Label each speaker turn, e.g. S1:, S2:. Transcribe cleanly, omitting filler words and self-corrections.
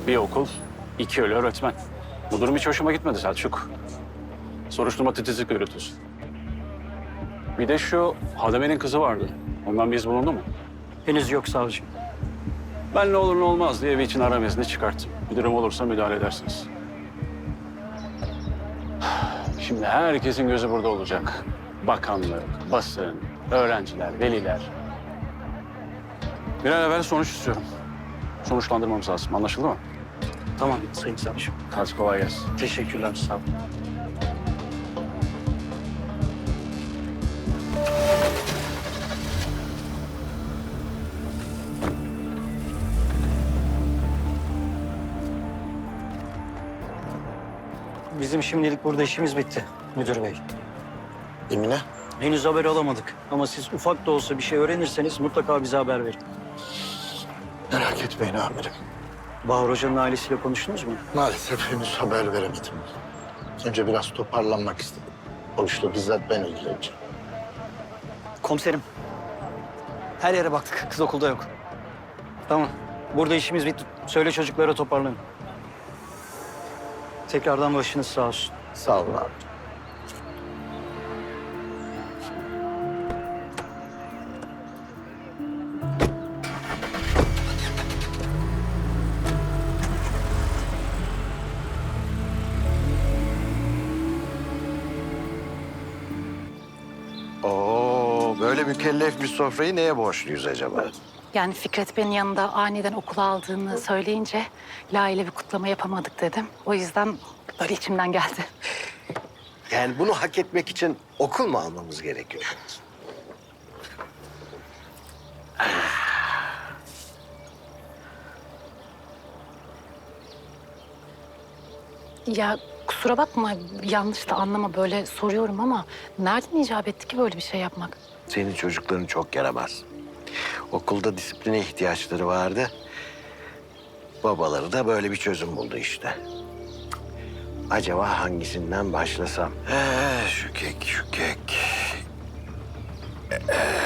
S1: Bir okul, 2 ölü öğretmen. Bu durum hiç hoşuma gitmedi Selçuk. Soruşturma titizlik yürütüyorsun. Bir de şu Hademe'nin kızı vardı. Ondan bir iz bulundu mu?
S2: Henüz yok savcım.
S1: Ben ne olur ne olmaz diye evi için arama izni çıkarttım. Bir durum olursa müdahale edersiniz. Şimdi herkesin gözü burada olacak. Bakanlık, basın, öğrenciler, veliler. Bir an evvel sonuç istiyorum. Sonuçlandırmamız lazım. Anlaşıldı mı?
S2: Tamam sayın savcım.
S1: Hadi kolay gelsin.
S2: Teşekkürler, sağ olun. Bizim şimdilik burada işimiz bitti müdür bey.
S3: Emine?
S2: Henüz haber alamadık ama siz ufak da olsa bir şey öğrenirseniz mutlaka bize haber verin.
S3: Merak etmeyin amirim.
S2: Bahar Hoca'nın ailesiyle konuştunuz mu?
S3: Maalesef henüz haber veremedim. Önce biraz toparlanmak istedim. O işle bizzat ben ilgileneceğim.
S2: Komiserim. Her yere baktık. Kız okulda yok. Tamam. Burada işimiz bitti. Söyle çocuklara toparlanın. Tekrardan başınız sağ olsun.
S3: Sağ olun abi.
S4: Oo, böyle mükellef bir sofrayı neye borçluyuz acaba?
S5: Yani Fikret Bey'in yanında aniden okula aldığını söyleyince Lale ile bir kutlama yapamadık dedim. O yüzden böyle içimden geldi.
S4: Yani bunu hak etmek için okul mu almamız gerekiyor?
S5: Ya kusura bakma, yanlış da anlama, böyle soruyorum ama nereden icap etti ki böyle bir şey yapmak?
S4: Senin çocukların çok yaramaz. Okulda disipline ihtiyaçları vardı. Babaları da böyle bir çözüm buldu işte. Acaba hangisinden başlasam? Şu kek, şu kek.